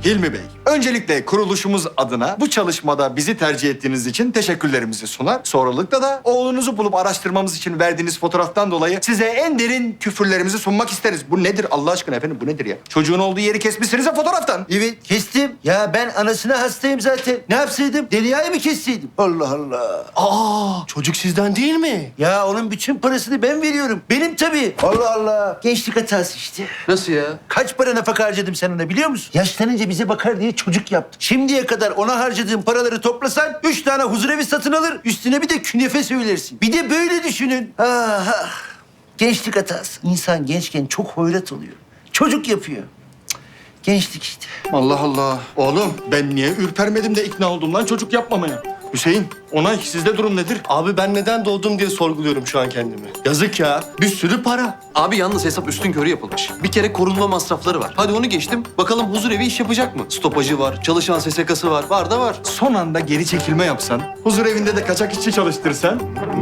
Hilmi Bey, öncelikle kuruluşumuz adına bu çalışmada bizi tercih ettiğiniz için teşekkürlerimizi sunar. Sonralıkla da oğlunuzu bulup araştırmamız için verdiğiniz fotoğraftan dolayı size en derin küfürlerimizi sunmak isteriz. Bu nedir Allah aşkına efendim, bu nedir ya? Çocuğun olduğu yeri kesmişsiniz ya fotoğraftan. Evet kestim. Ya ben anasına hastayım zaten. Ne yapsaydım? Derya'yı mı kesseydim? Allah Allah. Aa, çocuk sizden değil mi? Ya onun bütün parasını ben veriyorum. Benim tabii. Allah Allah. Gençlik hatası işte. Nasıl ya? Kaç para nafaka harcadım sen ona biliyor musun? Yaşlanınca bize bakar diye çocuk yaptım. Şimdiye kadar ona harcadığım paraları toplasan 3 tane huzurevi satın alır. Üstüne bir de künefe söylersin. Bir de böyle düşünün. Ah, ah. Gençlik hatası. İnsan gençken çok hoyrat oluyor. Çocuk yapıyor. Cık, gençlik işte. Allah Allah. Oğlum ben niye ürpermedim de ikna oldum lan çocuk yapmamaya? Hüseyin, Onay sizde durum nedir? Abi ben neden doğdum diye sorguluyorum şu an kendimi. Yazık ya. Bir sürü para. Abi yalnız hesap üstünkörü yapılmış. Bir kere korunma masrafları var. Hadi onu geçtim. Bakalım huzurevi iş yapacak mı? Stopajı var, çalışan SSK'sı var. Var da var. Son anda geri çekilme yapsan, huzur evinde de kaçak işçi çalıştırsan.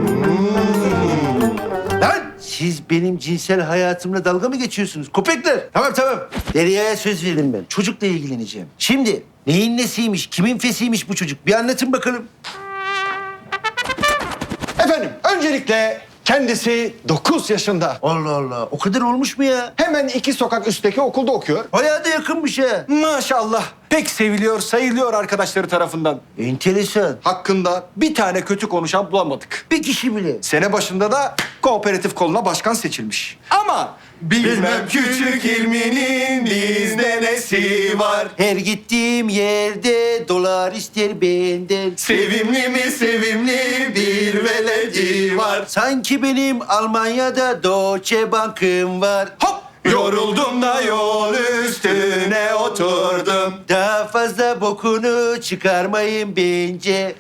Lan siz benim cinsel hayatımla dalga mı geçiyorsunuz? Köpekler. Tamam tamam. Derya'ya söz verdim ben. Çocukla ilgileneceğim. Şimdi neyin nesiymiş, kimin fesiymiş bu çocuk? Bir anlatın bakalım. Efendim, öncelikle kendisi 9 yaşında. Allah Allah. O kadar olmuş mu ya? Hemen 2 sokak üstteki okulda okuyor. Bayağı da yakınmış ha. Maşallah. Pek seviliyor, sayılıyor arkadaşları tarafından. Enteresan. Hakkında bir tane kötü konuşan bulamadık. Bir kişi bile. Sene başında da kooperatif koluna başkan seçilmiş. Ama bilmem küçük ilminin bizde nesi var. Her gittiğim yerde dolar ister benden. Sevimli mi sevimli bir veledi var. Sanki benim Almanya'da Deutsche Bank'ım var. Hop! Yoruldum da yol üstüne oturdum. Daha fazla bokunu çıkarmayın bence.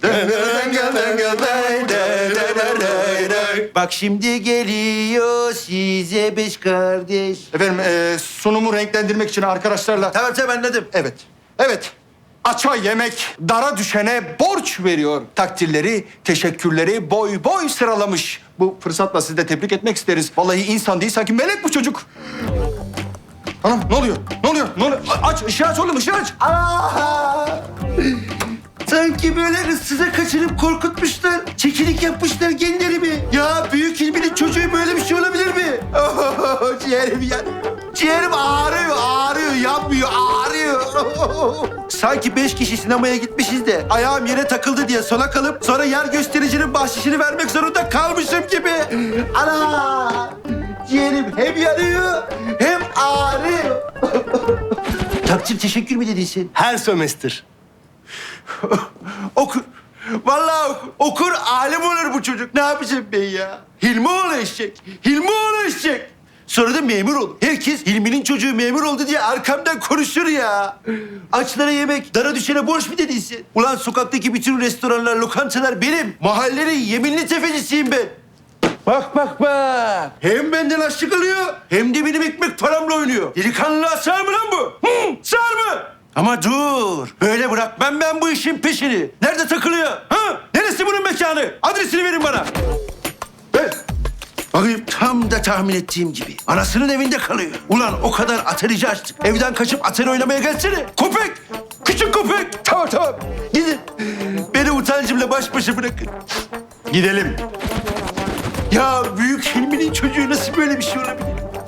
Bak şimdi geliyor size 5 kardeş. Efendim sunumu renklendirmek için arkadaşlarla... Tamam tamam anladım. Evet, evet. Aça yemek, dara düşene borç veriyor. Takdirleri, teşekkürleri boy boy sıralamış. Bu fırsatla sizi de tebrik etmek isteriz. Vallahi insan değil, sanki melek bu çocuk. Hanım ne oluyor? Ne oluyor? Ne oluyor? Aç, ışığı aç oğlum, ışığı aç. Aa! Sanki böyle ıssıza kaçırıp korkutmuşlar. Çekilik yapmışlar genlerimi. Ya büyük ilminin çocuğu böyle bir şey olabilir mi? Oh, ciğerim ya. Ciğerim ağrıyor, yanmıyor, ağrıyor. Sanki 5 kişi sinemaya gitmişiz de ayağım yere takıldı diye sola kalıp sonra yer göstericinin bahşişini vermek zorunda kalmışım gibi. Ana! Ciğerim hem yanıyor hem ağrıyor. Takdir teşekkür mü dedin sen? Her sömestr. Okur. Vallahi okur, alim olur bu çocuk. Ne yapacağım ben ya? Hilmioğlu eşek. Hilmioğlu eşek. Sonra da memur olur. Herkes Hilmi'nin çocuğu memur oldu diye arkamdan konuşur ya. Açlara yemek, dara düşene borç mu dediyse? Ulan sokaktaki bütün restoranlar, lokantalar benim. Mahallenin yeminli tefecisiyim ben. Bak bak bak. Hem benden açlık alıyor hem de benim ekmek paramla oynuyor. Delikanlılığa sığar mı lan bu? Hı? Sığar mı? Ama dur. Böyle bırakmam ben bu işin peşini. Nerede takılıyor? Ha? Neresi bunun mekanı? Adresini verin bana. Ver. Bakayım tam da tahmin ettiğim gibi. Anasının evinde kalıyor. Ulan o kadar atarici açtık. Evden kaçıp atari oynamaya gelsene. Köpek! Küçük köpek! Tamam tamam. Gidin. Beni utancımla baş başa bırakın. Gidelim. Ya büyük Hilmi'nin çocuğu nasıl böyle bir şey olabilir?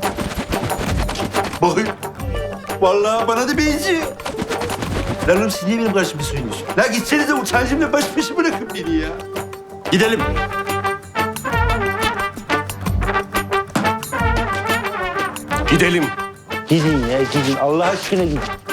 Bakın. Vallahi bana da benziyor. Lan oğlum siz niye benim karşıma söylüyorsun? La gitsenize utancımla baş başa bırakın beni ya. Gidelim. Gidelim. Gidin ya gidin. Allah aşkına gidin.